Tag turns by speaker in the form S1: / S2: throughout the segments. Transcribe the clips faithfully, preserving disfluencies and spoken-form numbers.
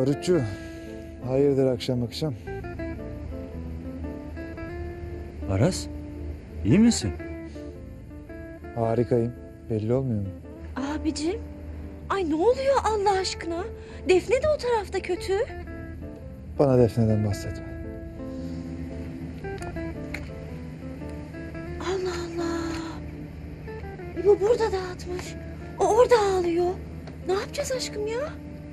S1: Barutçu, hayırdır akşam akşam?
S2: Aras, iyi misin?
S1: Harikayım. Belli olmuyor mu?
S3: Abicim, ay ne oluyor Allah aşkına? Defne de o tarafta kötü.
S1: Bana Defne'den bahsetme.
S3: Allah Allah. Bu burada dağıtmış. O orada ağlıyor. Ne yapacağız aşkım ya?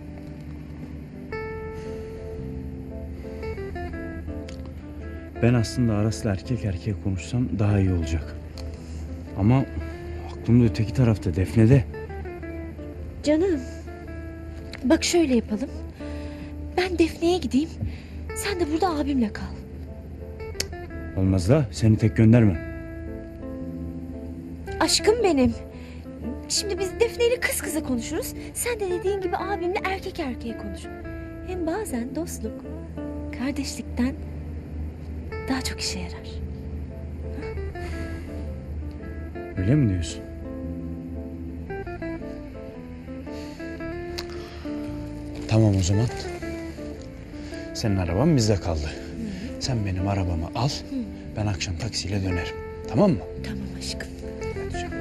S2: Ben aslında Aras'la erkek erkeğe konuşsam daha iyi olacak. Ama aklım da öteki tarafta, Defne'de.
S3: Canım, bak şöyle yapalım. Ben Defne'ye gideyim. Sen de burada abimle kal.
S2: Olmaz da seni tek göndermem.
S3: Aşkım benim. Şimdi biz Defne ile kız kıza konuşuruz. Sen de dediğin gibi abimle erkek erkeğe konuş. Hem bazen dostluk kardeşlikten daha çok işe yarar.
S2: Öyle mi diyorsun? Tamam o zaman. Senin araban bizde kaldı. Hı. Sen benim arabamı al. Hı. Ben akşam taksiyle dönerim. Tamam mı?
S3: Tamam aşkım.
S2: Hadi canım.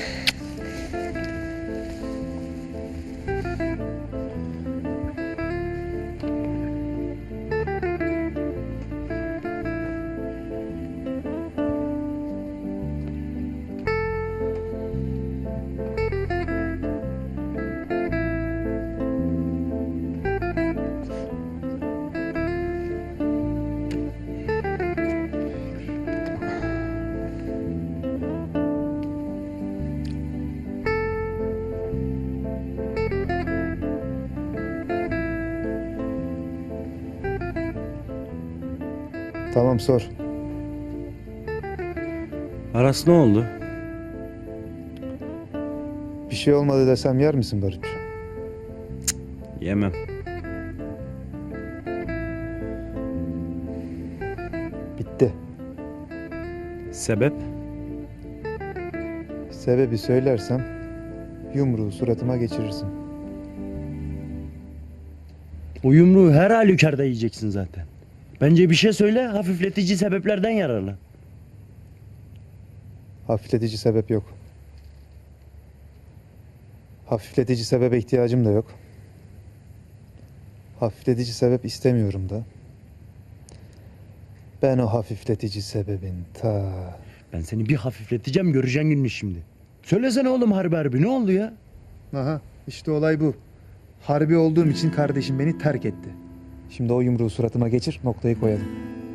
S1: Tamam sor.
S2: Aras ne oldu?
S1: Bir şey olmadı desem yer misin Barutçu?
S2: Yemem.
S1: Bitti.
S2: Sebep?
S1: Sebebi söylersem yumruğu suratıma geçirirsin.
S4: O yumruğu her halükarda yiyeceksin zaten. Bence bir şey söyle, hafifletici sebeplerden yararlan.
S1: Hafifletici sebep yok. Hafifletici sebebe ihtiyacım da yok. Hafifletici sebep istemiyorum da. Ben o hafifletici sebebin ta...
S4: Ben seni bir hafifleteceğim, göreceğin gününü şimdi. Söylesene oğlum harbi harbi, ne oldu ya?
S1: Aha, işte olay bu. Harbi olduğum için kardeşim beni terk etti. Şimdi o yumruğu suratıma geçir, noktayı koyalım.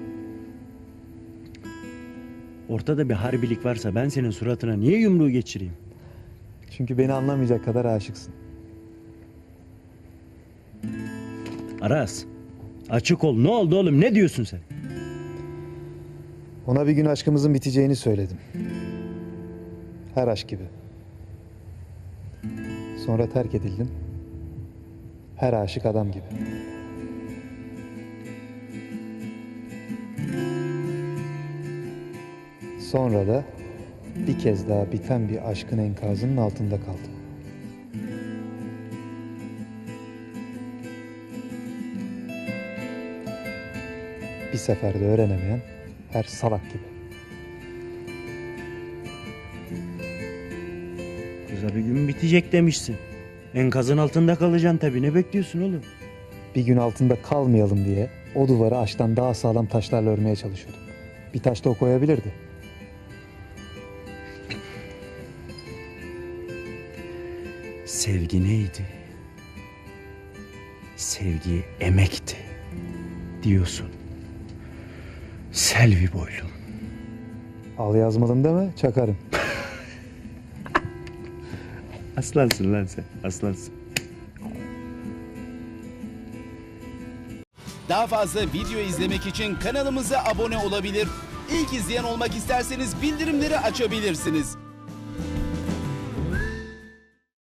S4: Ortada bir harbilik varsa ben senin suratına niye yumruğu geçireyim?
S1: Çünkü beni anlamayacak kadar aşıksın.
S4: Aras, açık ol, ne oldu oğlum, ne diyorsun sen?
S1: Ona bir gün aşkımızın biteceğini söyledim. Her aşk gibi. Sonra terk edildim. Her aşık adam gibi. Sonra da bir kez daha biten bir aşkın enkazının altında kaldım. Bir seferde öğrenemeyen her salak gibi.
S4: Kıza bir gün bitecek demişsin. Enkazın altında kalacaksın tabii, ne bekliyorsun oğlum?
S1: Bir gün altında kalmayalım diye o duvarı ağaçtan daha sağlam taşlarla örmeye çalışıyordum. Bir taş da o koyabilirdi.
S2: Sevgi neydi? Sevgi emekti diyorsun. Selvi boylum.
S1: Al yazmalım deme, çakarım.
S4: Aslansın lan sen, aslansın.
S5: Daha fazla video izlemek için kanalımıza abone olabilir. İlk izleyen olmak isterseniz bildirimleri açabilirsiniz.